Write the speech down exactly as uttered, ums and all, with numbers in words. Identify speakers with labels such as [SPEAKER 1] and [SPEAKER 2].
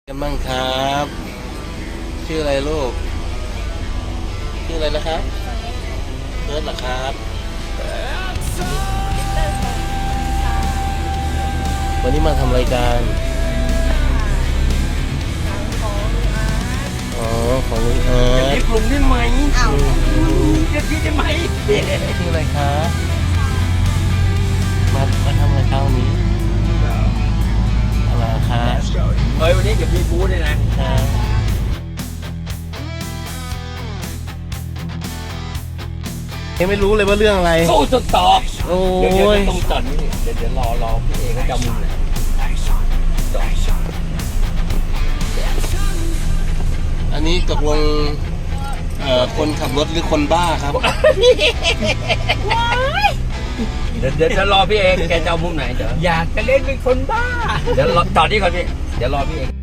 [SPEAKER 1] กันบ้างครับ ชื่ออะไรลูก ชื่ออะไรนะครับเฟิร์สเหรอครับ วันนี้มาทำรายการอ๋อของลุงอา
[SPEAKER 2] จะ
[SPEAKER 1] ร์
[SPEAKER 2] รี
[SPEAKER 1] ต
[SPEAKER 2] บลงได้ไหม
[SPEAKER 3] อ้าว
[SPEAKER 2] จะรีบได้ไหม
[SPEAKER 1] ชื่ออะไรคะมามาทำรายการนี้อะไรคะ
[SPEAKER 2] เฮ้ยวันนี้เดี๋ยวมีบูธเลยนะ
[SPEAKER 1] ครับยังไม่รู้เลยว่าเรื่องอะไร
[SPEAKER 2] สู้สุดต่อ
[SPEAKER 1] โอ้
[SPEAKER 2] เดี๋ยวเดี๋ยวย ตรงจอดนี่เดี๋ยวเดี๋ยวรอรอพี่เอกก็จะเอามุมไหนจอด
[SPEAKER 1] อันนี้ตกลงเอ่อคนขับรถหรือคนบ้าครับ
[SPEAKER 2] เดี๋ยวเดี๋ยวจะรอพี่เอกแกจะเอามุมไหนเดี๋ยวอยากจะเล่นเป็นคนบ้าเดี๋ยวรอจอดนี่ก่อนพี่เดี๋ยวรอพี่เอก